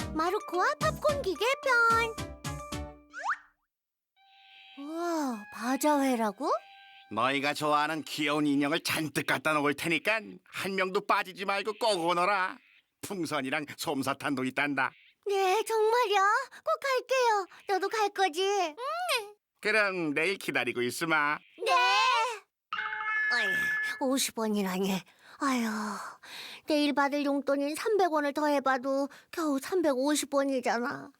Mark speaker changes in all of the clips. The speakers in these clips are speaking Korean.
Speaker 1: 마루코와 팝콘 기계 편. 우와, 바자회라고?
Speaker 2: 너희가 좋아하는 귀여운 인형을 잔뜩 갖다 놓을 테니까 한 명도 빠지지 말고 꼭 오너라. 풍선이랑 솜사탕도 있단다.
Speaker 1: 네, 정말요? 꼭 갈게요. 너도 갈 거지?
Speaker 2: 그럼 내일 기다리고 있으마.
Speaker 1: 네. 어이, 50원이라니. 아휴, 내일 받을 용돈인 300원을 더해봐도 겨우 350원이잖아.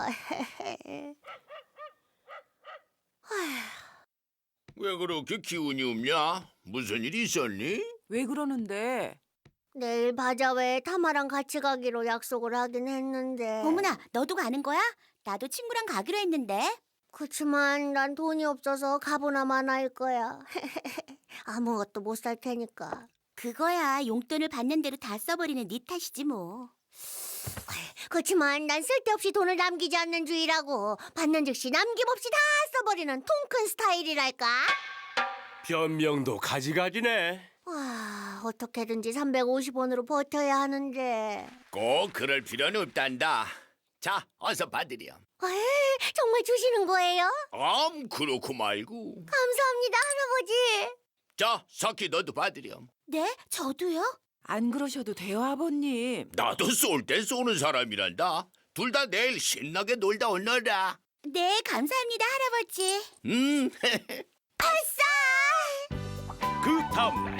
Speaker 3: 왜 그렇게 기운이 없냐? 무슨 일 있었니?
Speaker 4: 왜 그러는데?
Speaker 1: 내일 바자회에 타마랑 같이 가기로 약속을 하긴 했는데.
Speaker 5: 어머나, 너도 가는 거야? 나도 친구랑 가기로 했는데.
Speaker 1: 그치만 난 돈이 없어서 가보나 마나일 거야. 아무것도 못 살 테니까.
Speaker 5: 그거야 용돈을 받는 대로 다 써버리는 네 탓이지 뭐.
Speaker 1: 그치만 난 쓸데없이 돈을 남기지 않는 주의라고. 받는 즉시 남김없이 다 써버리는 통큰 스타일이랄까.
Speaker 6: 변명도 가지가지네.
Speaker 1: 와, 어떻게든지 350원으로 버텨야 하는데.
Speaker 3: 꼭 그럴 필요는 없단다. 자, 어서 받으렴.
Speaker 1: 에이, 정말 주시는 거예요?
Speaker 3: 그렇고 말고.
Speaker 1: 감사합니다, 할아버지.
Speaker 3: 자, 석희 너도 받으렴.
Speaker 5: 네? 저도요?
Speaker 4: 안 그러셔도 돼요, 아버님.
Speaker 3: 나도 쏠 때 쏘는 사람이란다. 둘 다 내일 신나게 놀다 오너라.
Speaker 5: 네, 감사합니다, 할아버지.
Speaker 6: 그 다음날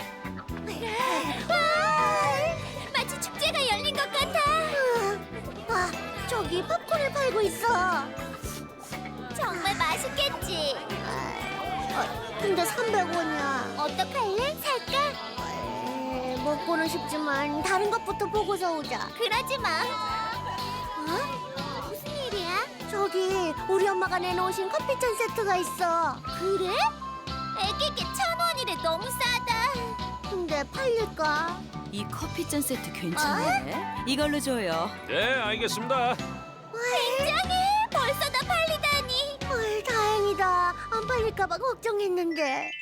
Speaker 5: 마치 축제가 열린 것 같아.
Speaker 1: 와, 저기 팝콘을 팔고 있어.
Speaker 5: 정말 맛있겠지.
Speaker 1: 근데 300원이야.
Speaker 5: 어떡할래? 살까?
Speaker 1: 먹고는 싶지만 다른 것부터 보고서 오자.
Speaker 5: 그러지 마. 무슨 일이야?
Speaker 1: 저기 우리 엄마가 내놓으신 커피잔 세트가 있어.
Speaker 5: 그래? 애기께 1,000원이래. 너무 싸다.
Speaker 1: 근데 팔릴까?
Speaker 7: 이 커피잔 세트 괜찮네. 이걸로 줘요.
Speaker 6: 네, 알겠습니다.
Speaker 5: 굉장해. 벌써 다 팔리다니.
Speaker 1: 헐, 다행이다. 안 팔릴까봐 걱정했는데.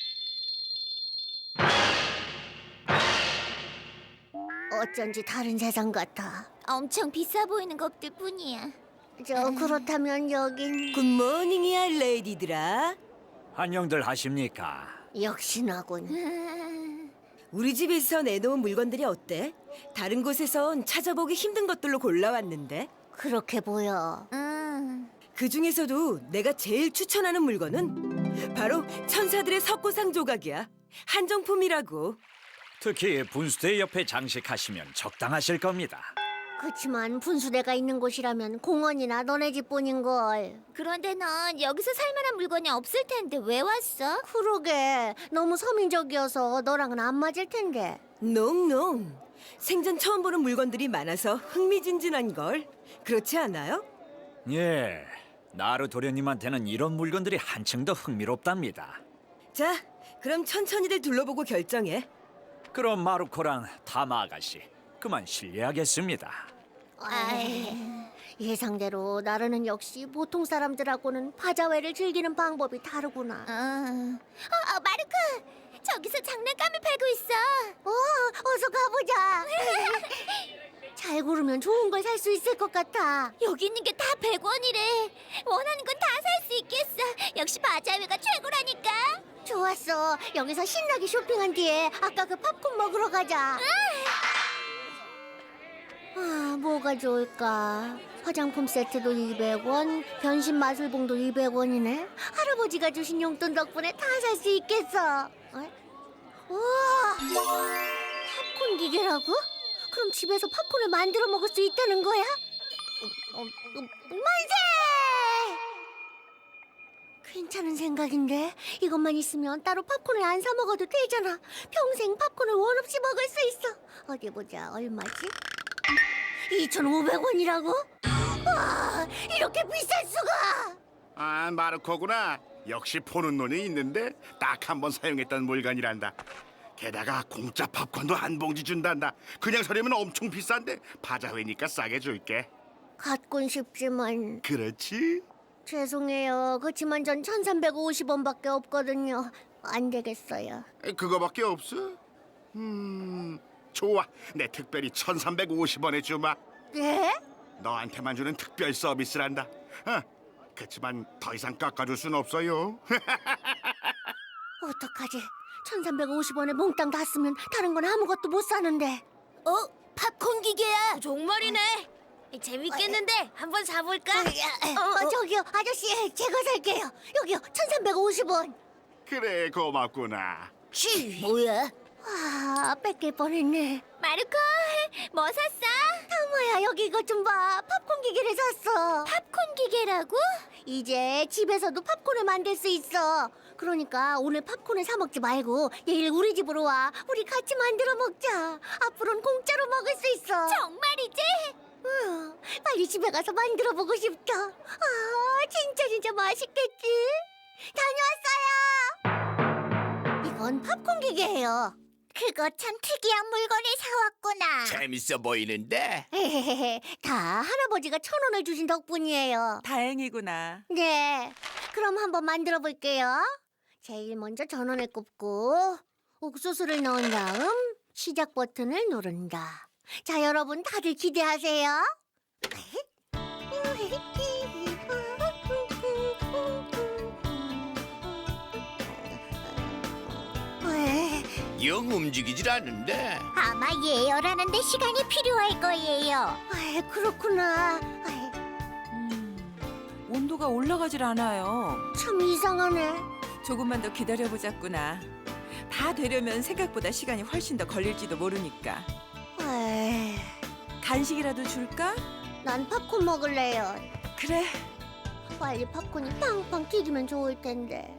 Speaker 1: 어쩐지 다른 세상 같아.
Speaker 5: 엄청 비싸 보이는 것들 뿐이야.
Speaker 1: 그렇다면 여긴
Speaker 7: 굿모닝이야, 레이디들아.
Speaker 8: 안녕들 하십니까?
Speaker 1: 역시나군.
Speaker 7: 우리 집에서 내놓은 물건들이 어때? 다른 곳에선 찾아보기 힘든 것들로 골라왔는데.
Speaker 1: 그렇게 보여.
Speaker 7: 그 중에서도 내가 제일 추천하는 물건은 바로 천사들의 석고상 조각이야. 한정품이라고.
Speaker 8: 특히 분수대 옆에 장식하시면 적당하실 겁니다.
Speaker 1: 그치만 분수대가 있는 곳이라면 공원이나 너네 집뿐인걸.
Speaker 5: 그런데 넌 여기서 살만한 물건이 없을 텐데 왜 왔어?
Speaker 1: 그러게, 너무 서민적이어서 너랑은 안 맞을 텐데.
Speaker 7: 농농. 생전 처음 보는 물건들이 많아서 흥미진진한 걸. 그렇지 않아요?
Speaker 8: 예, 나루 도련님한테는 이런 물건들이 한층 더 흥미롭답니다.
Speaker 7: 자, 그럼 천천히들 둘러보고 결정해.
Speaker 8: 그럼 마루코랑 타마 아가씨, 그만 실례하겠습니다.
Speaker 1: 예상대로 나르는 역시 보통 사람들하고는 바자회를 즐기는 방법이 다르구나.
Speaker 5: 마르크! 저기서 장난감을 팔고 있어.
Speaker 1: 어서 가보자. 잘 고르면 좋은 걸 살 수 있을 것 같아.
Speaker 5: 여기 있는 게 다 100원이래. 원하는 건 다 살 수 있겠어. 역시 바자회가 최고라니까.
Speaker 1: 좋았어. 여기서 신나게 쇼핑한 뒤에 아까 그 팝콘 먹으러 가자. 뭐가 좋을까? 화장품 세트도 200원, 변신 마술봉도 200원이네. 할아버지가 주신 용돈 덕분에 다 살 수 있겠어. 우와, 팝콘 기계라고? 그럼 집에서 팝콘을 만들어 먹을 수 있다는 거야? 만세! 괜찮은 생각인데 이것만 있으면 따로 팝콘을 안 사 먹어도 되잖아. 평생 팝콘을 원 없이 먹을 수 있어. 어디 보자, 얼마지? 2,500원이라고? 와, 이렇게 비쌀 수가!
Speaker 2: 아, 마르코구나. 역시 보는 눈이 있는데 딱 한 번 사용했던 물건이란다. 게다가 공짜 팝콘도 한 봉지 준단다. 그냥 사려면 엄청 비싼데 바자회니까 싸게 줄게.
Speaker 1: 갖곤 싶지만.
Speaker 2: 그렇지?
Speaker 1: 죄송해요. 그치만 전 1,350원밖에 없거든요. 안 되겠어요.
Speaker 2: 그거밖에 없어? 좋아. 내 특별히 1,350원에 주마.
Speaker 1: 네?
Speaker 2: 너한테만 주는 특별 서비스란다. 그렇지만 더 이상 깎아줄 순 없어요.
Speaker 1: 어떡하지? 1350원에 몽땅 다 쓰면 다른 건 아무것도 못 사는데.
Speaker 5: 팝콘 기계야. 정말이네. 재밌겠는데 한번 사볼까?
Speaker 1: 저기요, 아저씨, 제가 살게요. 여기요, 1350원.
Speaker 2: 그래, 고맙구나.
Speaker 5: 뭐야?
Speaker 1: 와, 뺏길 뻔했네.
Speaker 5: 마르코, 뭐 샀어?
Speaker 1: 타모야, 여기 이것 좀 봐. 팝콘 기계를 샀어.
Speaker 5: 팝콘 기계라고?
Speaker 1: 이제 집에서도 팝콘을 만들 수 있어. 그러니까 오늘 팝콘을 사 먹지 말고 내일 우리 집으로 와. 우리 같이 만들어 먹자. 앞으로는 공짜로 먹을 수 있어.
Speaker 5: 정말이지?
Speaker 1: 빨리 집에 가서 만들어 보고 싶다. 진짜 맛있겠지? 다녀왔어요. 이건 팝콘 기계예요.
Speaker 5: 그거 참 특이한 물건을 사왔구나.
Speaker 3: 재밌어 보이는데.
Speaker 1: 다 할아버지가 1,000원을 주신 덕분이에요.
Speaker 4: 다행이구나.
Speaker 1: 네, 그럼 한번 만들어 볼게요. 제일 먼저 전원을 꼽고 옥수수를 넣은 다음 시작 버튼을 누른다. 자, 여러분 다들 기대하세요.
Speaker 3: 영 움직이질 않는데.
Speaker 5: 아마 예열하는데 시간이 필요할 거예요.
Speaker 1: 그렇구나.
Speaker 4: 온도가 올라가질 않아요.
Speaker 1: 참 이상하네.
Speaker 4: 조금만 더 기다려보자꾸나. 다 되려면 생각보다 시간이 훨씬 더 걸릴지도 모르니까.
Speaker 1: 에이,
Speaker 4: 간식이라도 줄까?
Speaker 1: 난 팝콘 먹을래요.
Speaker 4: 그래.
Speaker 1: 빨리 팝콘이 팡팡 튀기면 좋을 텐데.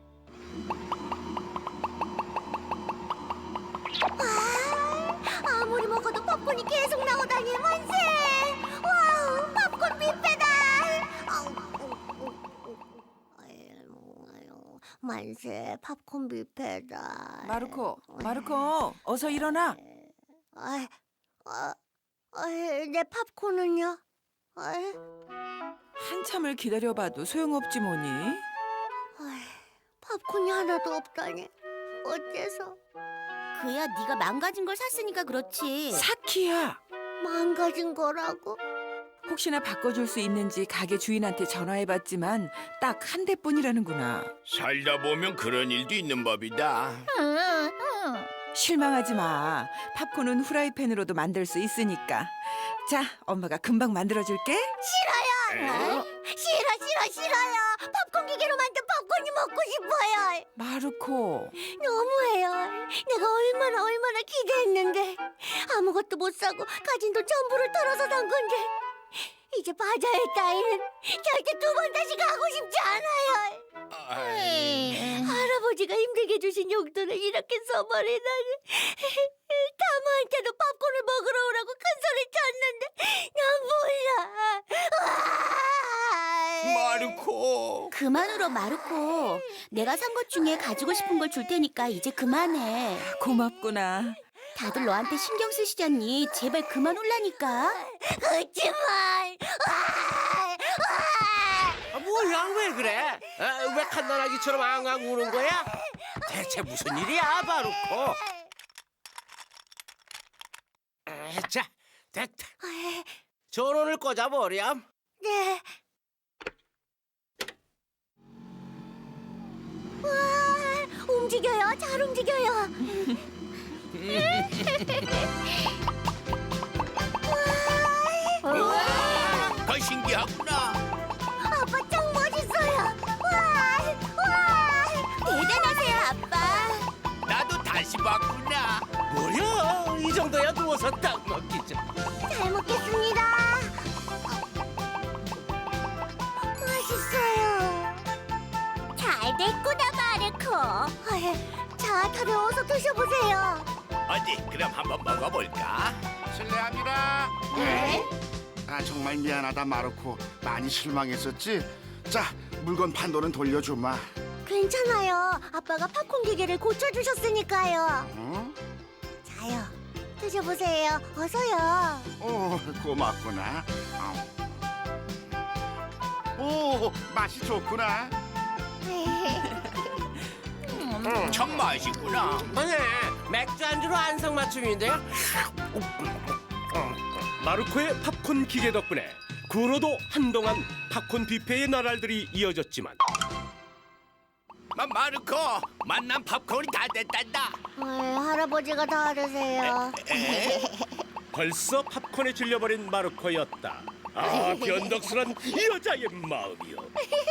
Speaker 1: 아무리 먹어도 팝콘이 계속 나오다니 만세! 와우, 팝콘 뷔페다! 만세, 팝콘 뷔페다.
Speaker 4: 마르코, 어서 일어나.
Speaker 1: 내 팝콘은요?
Speaker 4: 한참을 기다려봐도 소용없지 뭐니.
Speaker 1: 팝콘이 하나도 없다니. 어째서?
Speaker 5: 그야 네가 망가진 걸 샀으니까 그렇지.
Speaker 4: 사키야.
Speaker 1: 망가진 거라고?
Speaker 4: 혹시나 바꿔줄 수 있는지 가게 주인한테 전화해봤지만 딱 한 대뿐이라는구나.
Speaker 3: 살다 보면 그런 일도 있는 법이다.
Speaker 5: 응.
Speaker 4: 실망하지 마. 팝콘은 후라이팬으로도 만들 수 있으니까. 자, 엄마가 금방 만들어줄게.
Speaker 1: 싫어요. 싫어요. 팝콘 기계로 만든 팝콘이 먹고 싶어요.
Speaker 4: 마르코.
Speaker 1: 너무해요. 내가 얼마나 기대했는데 아무것도 못 사고 가진 돈 전부를 털어서 산 건데 이제 바자회 따위는 절대 2번 다시 가고 싶지 않아요. 할아버지가 힘들게 주신 용돈을 이렇게 써버리다니. 타모한테도 팝콘을 먹으러 오라고 큰 소리 쳤는데 난 몰라.
Speaker 3: 마르코.
Speaker 5: 그만 울어 마르코. 내가 산 것 중에 가지고 싶은 걸 줄 테니까 이제 그만해.
Speaker 4: 고맙구나.
Speaker 5: 다들 너한테 신경 쓰시잖니. 제발 그만 울라니까.
Speaker 1: 그렇지만
Speaker 9: 뭐야 왜 그래? 왜 칸나라기처럼 앙앙 우는 거야? 대체 무슨 일이야 바로코? 자 됐다. 전원을 꽂아버렴.
Speaker 1: 네. 와, 움직여요. 잘 움직여요.
Speaker 3: 더 신기하구나.
Speaker 1: 아빠 짱 멋있어요. 와.
Speaker 5: 대단하세요 아빠.
Speaker 3: 나도 다시 봤구나.
Speaker 9: 뭐야 이 정도야 누워서 딱 먹기죠.
Speaker 1: 잘 먹겠습니다. 맛있어요.
Speaker 5: 잘 됐구나 마르코.
Speaker 1: 자, 다들 어서 드셔보세요.
Speaker 3: 어디 그럼 한번 먹어볼까?
Speaker 2: 실례합니다.
Speaker 1: 네.
Speaker 2: 정말 미안하다 마르코. 많이 실망했었지? 자, 물건 판도는 돌려주마.
Speaker 1: 괜찮아요. 아빠가 팝콘 기계를 고쳐주셨으니까요.
Speaker 2: 어?
Speaker 1: 자요. 드셔보세요. 어서요.
Speaker 2: 오, 고맙구나. 오, 맛이 좋구나.
Speaker 3: 참 맛있구나.
Speaker 9: 네 맥주 안주로 안성맞춤인데요.
Speaker 6: 마르코의 팝콘 기계 덕분에 그 후로도 한동안 팝콘 뷔페의 나날들이 이어졌지만
Speaker 3: 마르코, 만난 팝콘이 다 됐단다.
Speaker 1: 할아버지가 다 드세요.
Speaker 6: 벌써 팝콘에 질려버린 마르코였다. 아, 변덕스런 이 여자의 마음이요.